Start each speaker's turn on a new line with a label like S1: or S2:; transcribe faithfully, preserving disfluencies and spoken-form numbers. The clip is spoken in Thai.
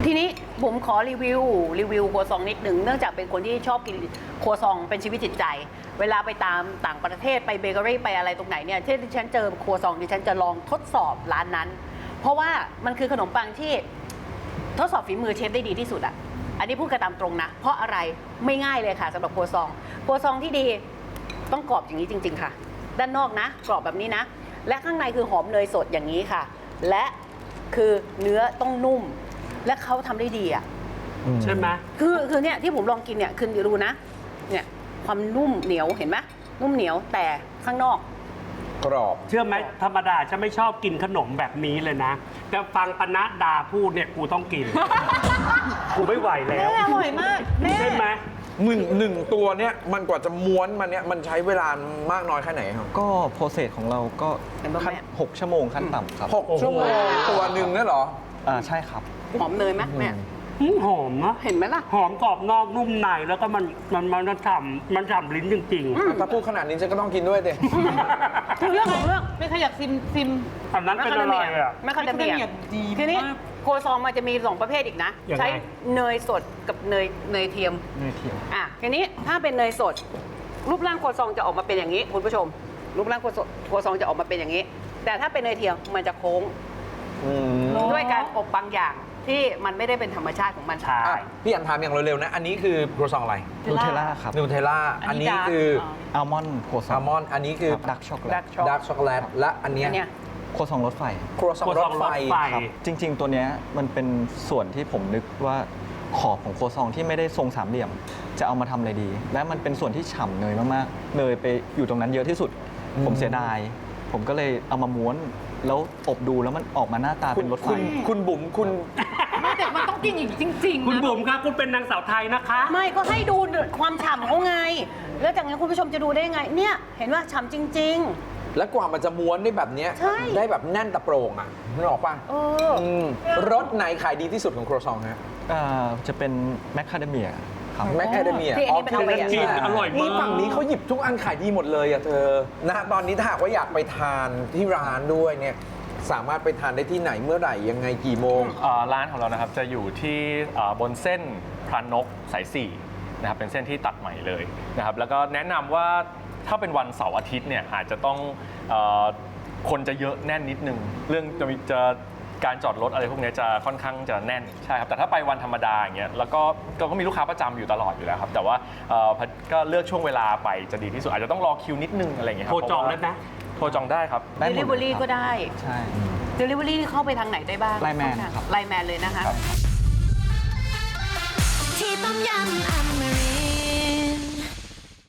S1: ทีนี้ผมขอรีวิวรีวิวครัวซองนิดหนึ่งเนื่องจากเป็นคนที่ชอบกินครัวซองเป็นชีวิตจิตใจ เวลาไปตามต่างประเทศไปเบเกอรี่ไปอะไรตรงไหนเนี่ยที่ดิฉันเจอครัวซองดิฉันจะลองทดสอบร้านนั้น เพราะว่ามันคือขนมปังที่ทดสอบฝีมือเชฟได้ดีที่สุดอ่ะอันนี้พูดกันตามตรงนะเพราะอะไรไม่ง่ายเลยค่ะสำหรับครัวซองครัวซองที่ดีต้องกรอบอย่างนี้จริงๆค่ะด้านนอกนะกรอบแบบนี้นะและข้างในคือหอมเนยสดอย่างนี้ค่ะและคือเนื้อต้องนุ่มและเขาทำได้ดีอ่ะ
S2: ใช่ไหม
S1: คือคือเนี่ยที่ผมลองกินเนี่ยคือดูนะเนี่ยความนุ่มเหนียวเห็นไหมนุ่มเหนียวแต่ข้างนอก
S3: กรอบ
S2: เชื่อไหมธรรมดาฉันไม่ชอบกินขนมแบบนี้เลยนะแต่ฟังปนัดดาพูดเนี่ยกูต้องกิน กูไม่ไหวแล้ว
S1: แม่อร่อยมากแม่
S2: ใช่ไหม
S3: หนึ่งหนึ่งตัวเนี้ยมันกว่าจะม้วนมันเนี้ยมันใช้เวลามากน้อยแค่ไหนครับ
S4: ก็โปรเซสของเราก็ขั้นหกชั่วโมงขั้นต่ำครับ
S3: หกชั่วโมงตัวหนึ่งนั่นเหรอ
S4: อ่าใช่ครับ
S1: หอมเนยไหมแม่
S2: หอมนะ
S1: เห็นไหมล่ะ
S2: หอมกรอบนอกนุ่มในแล้วก็มันมันมันฉ่ำมันฉ่ำลิ้นจริง
S3: ๆถ้าพูดขนาดนี้ฉันก็ต้องกินด้วยดิ
S1: เรื่องของเรื่อง
S5: ไม่ขยักซิมซิม
S2: อันนั้นเป็นอะไรอ่ะ
S1: ไม่คาเดเมีย
S5: ดี
S1: ทีนี้โคซองมันจะมีสองประเภทอีกนะใช้เนยสดกับเนยเนยเทียม
S4: เนยเทียม
S1: อ่ะทีนี้ถ้าเป็นเนยสดรูปร่างโคซองจะออกมาเป็นอย่างนี้คุณผู้ชมรูปร่างโคซองจะออกมาเป็นอย่างนี้แต่ถ้าเป็นเนยเทียมมันจะโค้งด้วยการอบบางอย่างที่มันไม่ได้เป็นธรรมชาติของมัน
S2: ใช่
S3: พี่อันถามอย่างเร็วๆนะอันนี้คือครัวซองอะไร
S4: นูเทลล่าครับ
S3: นูเทลล่าอันนี้คือ
S4: อัลมอนด์โคซอง
S3: อัลมอนด์อันนี้คือ
S4: ดาร์กช็อกโกแลต
S3: ดาร์กช็อกโกแลตและอันเนี้ย
S4: โคซองรถไฟ
S3: ครัวซองรถไฟ
S4: ครับจริงๆตัวเนี้ยมันเป็นส่วนที่ผมนึกว่าขอบของโคซองที่ไม่ได้ทรงสามเหลี่ยมจะเอามาทำอะไรดี และมันเป็นส่วนที่ฉ่ำเนยมากๆเนยไปอยู่ตรงนั้นเยอะที่สุดผมเสียดายผมก็เลยเอามาม้วนแล้วอบดูแล้วมันออกมาหน้าตาเป็นรถไฟ
S3: คุณบุ๋มคุณ
S5: ไม่แต่มันต้องกินอย่างจริงๆ
S2: คุณบุ๋มครับคุณเป็นนางสาวไทยนะคะ
S1: ไม่ก็ให้ดูความฉ่ำเขาไงแล้วจากนั้นคุณผู้ชมจะดูได้ไงเนี่ยเห็นว่าฉ่ำจริงๆ
S3: แล้วกว่ามันจะม้วนได้แบบนี้ได้แบบแน่นตะโปร่งอ่ะนึกออกป่ะรสไหนขายดีที่สุดของครัวซองฮะ
S4: จะเป็นแมคคาเดเมีย
S3: แมคคาเดเมีย
S1: อ๋อเป็นอะไร
S2: กินอร่อยมาก
S3: นี่ฝั่งนี้เขาหยิบทุกอันขายดีหมดเลยอ่ะเธอนะตอนนี้ถ้าหากว่าอยากไปทานที่ร้านด้วยเนี่ยสามารถไปทานได้ที่ไหนเมื่อไหร่ยังไงกี่โมง
S6: ร้านของเรานะครับจะอยู่ที่บนเส้นพรานกสายสี่นะครับเป็นเส้นที่ตัดใหม่เลยนะครับแล้วก็แนะนำว่าถ้าเป็นวันเสาร์อาทิตย์เนี่ยอาจจะต้องคนจะเยอะแน่นนิดนึงเรื่องจะมีจะการจอดรถอะไรพวกนี้จะค่อนข้างจะแน่นใช่ครับแต่ถ้าไปวันธรรมดาอย่างเงี้ยแล้วก็ก็มีลูกค้าประจำอยู่ตลอดอยู่แล้วครับแต่ว่าก็เลือกช่วงเวลาไปจะดีที่สุดอาจจะต้องรอคิวนิดนึงอะไรอย่างเงี้ยครับ
S2: โทรจองได้ไหม
S6: โทรจองได้ครับ
S1: Delivery ก็ได้
S4: ใช่
S1: Delivery เข้าไปทางไหนได้บ้าง
S4: ไลน์แมนครับ
S1: ไลน์แมนเลยนะคะ
S7: ที่ต้มยำอเม